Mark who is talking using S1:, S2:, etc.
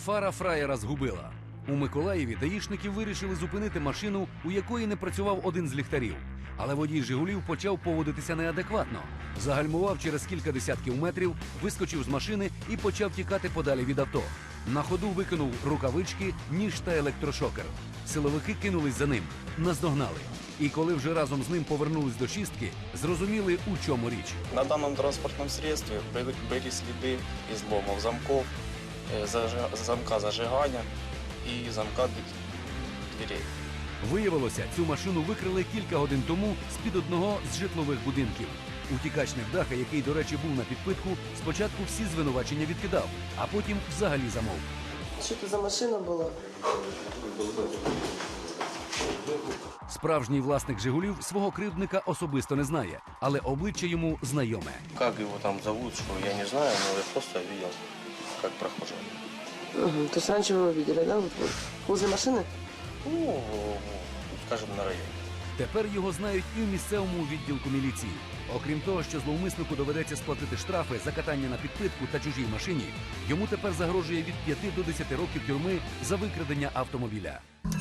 S1: Фара фраєра згубила. У Миколаєві даїшники вирішили зупинити машину, у якої не працював один з ліхтарів. Але водій «Жигулів» почав поводитися неадекватно. Загальмував через кілька десятків метрів, вискочив з машини і почав тікати подалі від авто. На ходу викинув рукавички, ніж та електрошокер. Силовики кинулись за ним, наздогнали. І коли вже разом з ним повернулись до шістки, зрозуміли, у чому річ.
S2: На данном транспортном средстве были следы изломов замков, замка зажигания и замка дверей.
S1: Виявилося, цю машину викрили кілька годин тому з-під одного з житлових будинків. Утікач невдаха, який, до речі, був на підпитку, спочатку всі звинувачення відкидав, а потім взагалі замовк.
S3: Що це за машина була?
S1: Справжній власник «Жигулів» свого кривдника особисто не знає, але обличчя йому знайоме.
S4: Как его там зовут, что я не знаю, но я просто видел, как прохожий.
S3: Угу. То есть раньше вы его видели, да? Вот возле машины?
S4: Ну, скажем, на районе.
S1: Тепер його знають і в місцевому відділку міліції. Окрім того, що зловмиснику доведеться сплатити штрафи за катання на підпитку та чужій машині, йому тепер загрожує від 5 до 10 років тюрми за викрадення автомобіля.